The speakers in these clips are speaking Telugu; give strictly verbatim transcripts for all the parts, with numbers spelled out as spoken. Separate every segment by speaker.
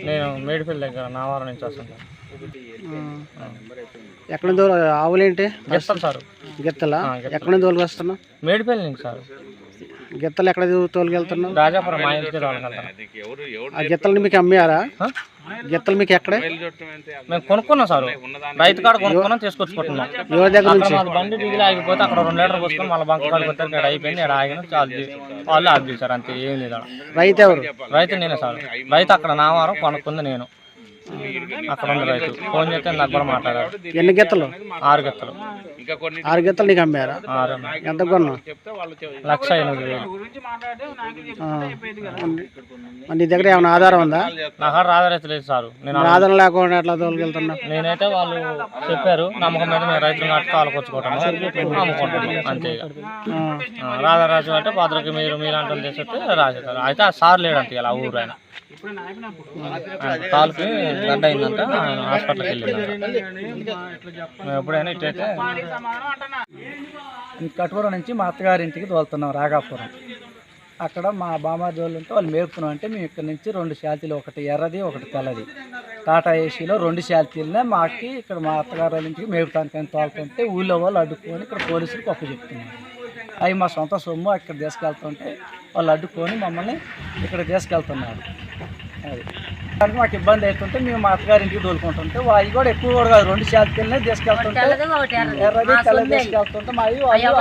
Speaker 1: నేను మేడిపల్లి దగ్గర నావారం నుంచి వస్తుంటాను.
Speaker 2: ఎక్కడ నుంచి ఆవులేంటి?
Speaker 1: గిత్తలు సార్.
Speaker 2: గిత్తలా? ఎక్కడ నుంచి తోలుకు వస్తున్నావు?
Speaker 1: మేడిపల్లి నుంచి సార్.
Speaker 2: గిత్తలు ఎక్కడ తోలుకెళ్తున్నావు?
Speaker 1: రాజాపురం మా ఇంటికి తోలుకెళ్తాను.
Speaker 2: ఆ గిత్తలు మీకు అమ్మారా? గిత్తలు మీకు ఎక్కడ?
Speaker 1: మేము కొనుక్కున్నాం సార్, రైతు కాడ కొనుక్కున్నాం, తీసుకొచ్చుకుంటున్నాం.
Speaker 2: ఎవరి దగ్గర నుంచి?
Speaker 1: బండి డీజిల్ ఆగిపోతే అక్కడ రెండు లీటర్ పోసుకొని మళ్ళీ బంక్ కాడికి వస్తారు. ఇక్కడ అయిపోయింది, ఇక్కడ ఆగిన చాలు వాళ్ళు ఆగి సార్, అంతే, ఏం లేదు.
Speaker 2: రైతు ఎవరు?
Speaker 1: రైతు నేనే సార్. రైతు అక్కడ నావారం కొనుక్కుంది నేను, అక్కడ ఉంది రైతు. ఫోన్ చేస్తే నాకు కూడా మాట్లాడారు.
Speaker 2: ఎన్ని గిత్తలు?
Speaker 1: ఆరు గిత్తలు.
Speaker 2: ఆరు గిత్తలు నీకు అమ్మారా?
Speaker 1: ఆరు.
Speaker 2: ఎంత కొన్నావు?
Speaker 1: లక్ష ఎనిమిది వేలు.
Speaker 2: నీ దగ్గర ఏమైనా ఆధారం ఉందా?
Speaker 1: నాకు ఆధారం లేదు సార్. నేను
Speaker 2: ఆధారం లేకుండా ఎట్లా తోలుకెళ్తున్నావు?
Speaker 1: నేనైతే వాళ్ళు చెప్పారు, నమ్మకం మీద మేము రైతులు నాటి తాలకొచ్చుకోవటం అమ్ముకుంటాం, అంతే. రాధారాజు అంటే భద్రకి మీరు మీలాంటి వాళ్ళు చేస్తే రాజేస్తారు. అయితే ఆ సార్ లేడంటే ఇలా ఊరు ఆయన కాలుకి గడ్డ అయిందంట, ఆయన హాస్పిటల్కి వెళ్ళిందంట. మేము ఎప్పుడైనా ఇట్టయితే
Speaker 3: కటూరు నుంచి మా అత్తగారింటికి తోలుతున్నాం రాగాపురం. అక్కడ మా బామాజీ వాళ్ళు ఉంటే వాళ్ళు మేపుతున్నాం. అంటే మేము ఇక్కడ నుంచి రెండు శాల్తీలు, ఒకటి ఎర్రది ఒకటి తెల్లది, టాటా ఏసీలో రెండు శాల్తీలనే మాకి ఇక్కడ మా అత్తగారి వాళ్ళ ఇంటికి మేపుతానికి తోలుతుంటే ఊళ్ళో వాళ్ళు అడ్డుకొని ఇక్కడ పోలీసులకు అప్పు చెప్తున్నారు. అవి మా సొంత సొమ్ము, ఇక్కడ తీసుకెళ్తుంటే వాళ్ళు అడ్డుకొని మమ్మల్ని ఇక్కడ తీసుకెళ్తున్నారు. అది దానికి మాకు ఇబ్బంది అవుతుంటే మేము మా అత్తగారింటికి తోలుకుంటుంటే అవి కూడా ఎక్కువ కూడా కాదు, రెండు శాల్తీలనే తీసుకెళ్తుంటే ఎర్రది తెల్లది తీసుకెళ్తుంటే మా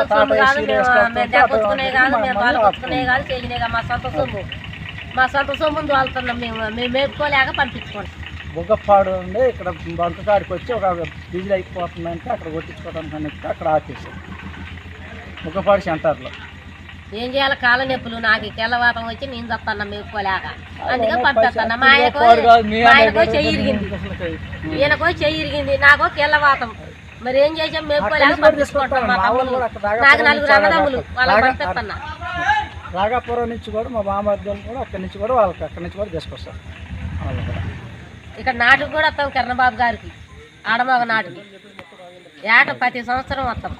Speaker 4: మా సొంత సొమ్మును తోలుతున్నాం మేము, మేము మేపుకోలేక పంపించుకోండి.
Speaker 3: బుగ్గపాడు ఉండే ఇక్కడ బంక కాడికి వచ్చి ఒక డీజిల్ అయిపోతుందంటే అక్కడ కొట్టించుకోవడానికి అని అక్కడ ఆపేసాం బుగ్గపాడు సెంటర్లో.
Speaker 4: ఏం చేయాలి, కాళ్ళ నొప్పులు, నాకు తెల్లవాతం వచ్చి నేను చెప్తాను మేపుకోలేక, అందుకే పంపిస్తాను. మా ఆయనకో మా ఆయనకో చెయ్యి ఇరిగింది, ఈయనకో చెయ్యి ఇరిగింది, నాకో తెల్లవాతం. మరి ఏం చేసాం, మేపుకోలేక పంపించుకుంటాం. మా తమ్ముళ్ళు, నాకు నలుగురు అన్నదమ్ములు, వాళ్ళకి పంపిస్తున్నా.
Speaker 3: రాగాపురం నుంచి కూడా మా బామర్దులు కూడా అక్కడి నుంచి కూడా వాళ్ళకి అక్కడి నుంచి కూడా తీసుకొస్తారు. వాళ్ళు కూడా
Speaker 4: ఇక్కడ నాటుకు కూడా వస్తాం, కిరణబాబు గారికి ఆడమగ నాటుకి ఏట ప్రతి సంవత్సరం వస్తాం.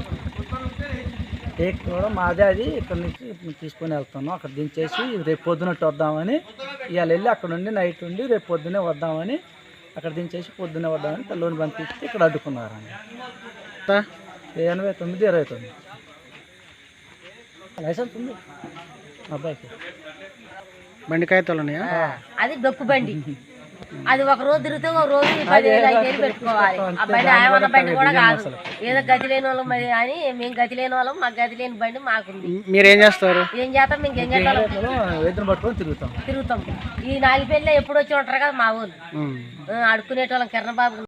Speaker 3: టేక్ కూడా మాదే, అది ఇక్కడ నుంచి తీసుకొని వెళ్తున్నాం. అక్కడ దించేసి రేపు పొద్దునట్టు వద్దామని, ఇవాళ వెళ్ళి అక్కడ ఉండి నైట్ ఉండి రేపు పొద్దునే వద్దామని అక్కడ దించేసి పొద్దున్నే వద్దామని తల్లోని పంపించి ఇక్కడ అడ్డుకున్నారండి. ఎనభై తొమ్మిది ఇరవై తొమ్మిది లైసెన్స్ ఉంది అబ్బాయికి.
Speaker 2: బండి కాగితాలు ఉన్నాయా?
Speaker 4: అది డొక్కు బండి, అది ఒక రోజు తిరిగితే ఒక రోజు పది వేలు ఐదు వేలు పెట్టుకోవాలి. ఆ బండి ఆయమన్న బండి కూడా కాదు, ఏదో గతి లేని వాళ్ళం మరి అని. మేము గతి లేని వాళ్ళం, మాకు గతి లేని బండి మాకుంది.
Speaker 2: మీరేం చేస్తారు?
Speaker 4: ఏం చేస్తాం, మేము ఏం చేస్తాం,
Speaker 3: ఎదురు పట్టుకొని తిరుగుతాం
Speaker 4: తిరుగుతాం. ఈ నాలుగు పెళ్ళి ఎప్పుడు వచ్చి ఉంటారు కదా మా ఊళ్ళు, అడుక్కునేటోళ్ళం. కిరణబాబు